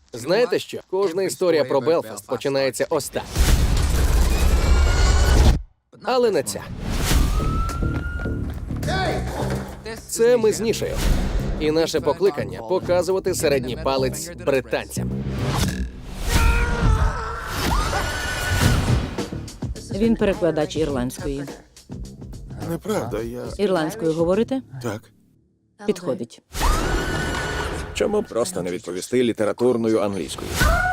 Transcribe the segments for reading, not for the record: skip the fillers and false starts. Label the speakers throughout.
Speaker 1: Знаєте що? Кожна історія про Белфаст починається ось так. Але не ця. Це ми з Нішею. І наше покликання – показувати середній палець британцям.
Speaker 2: Він перекладач ірландської.
Speaker 3: Неправда, я...
Speaker 2: Ірландською говорите?
Speaker 3: Так.
Speaker 2: Підходить.
Speaker 4: Чому просто не відповісти літературною англійською?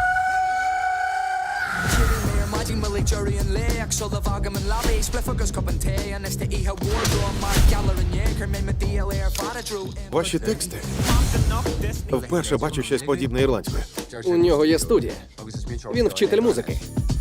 Speaker 3: Ваші тексти? Вперше бачу щось подібне ірландською.
Speaker 1: У нього є студія. Він вчитель музики.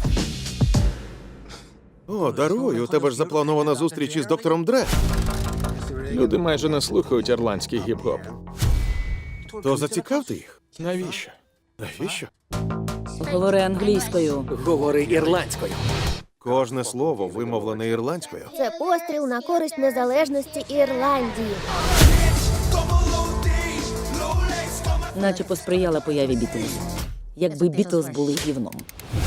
Speaker 3: О, даруй, у тебе ж запланована зустріч із доктором Дре.
Speaker 5: Люди майже не слухають ірландський гіп-гоп.
Speaker 3: То зацікавте їх.
Speaker 5: Навіщо?
Speaker 3: Навіщо?
Speaker 2: Говори англійською.
Speaker 1: Говори ірландською.
Speaker 3: Кожне слово вимовлене ірландською.
Speaker 6: Це постріл на користь незалежності Ірландії.
Speaker 2: Наче посприяла появі Бітлз. Якби Бітлз були гівном.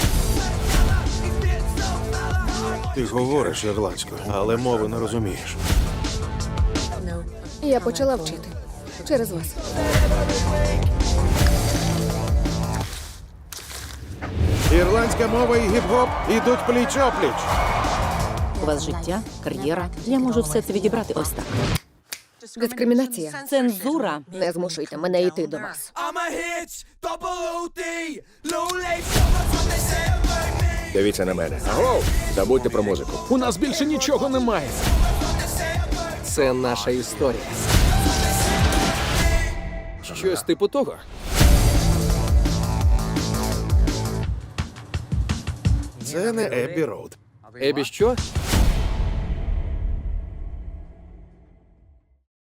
Speaker 3: Ти говориш ірландською, але мови не розумієш.
Speaker 7: Я почала вчити. Через вас.
Speaker 3: Ірландська мова і гіп-гоп ідуть пліч-опліч.
Speaker 2: У вас життя, кар'єра. Я можу все це відібрати ось так.
Speaker 7: Дискримінація.
Speaker 2: Цензура.
Speaker 7: Не змушуйте мене йти до вас.
Speaker 4: Дивіться на мене. Аго! Забудьте про музику.
Speaker 5: У нас більше нічого немає.
Speaker 1: Це наша історія. Щось типу того.
Speaker 3: Це не Еббі Роуд.
Speaker 1: Ебі що?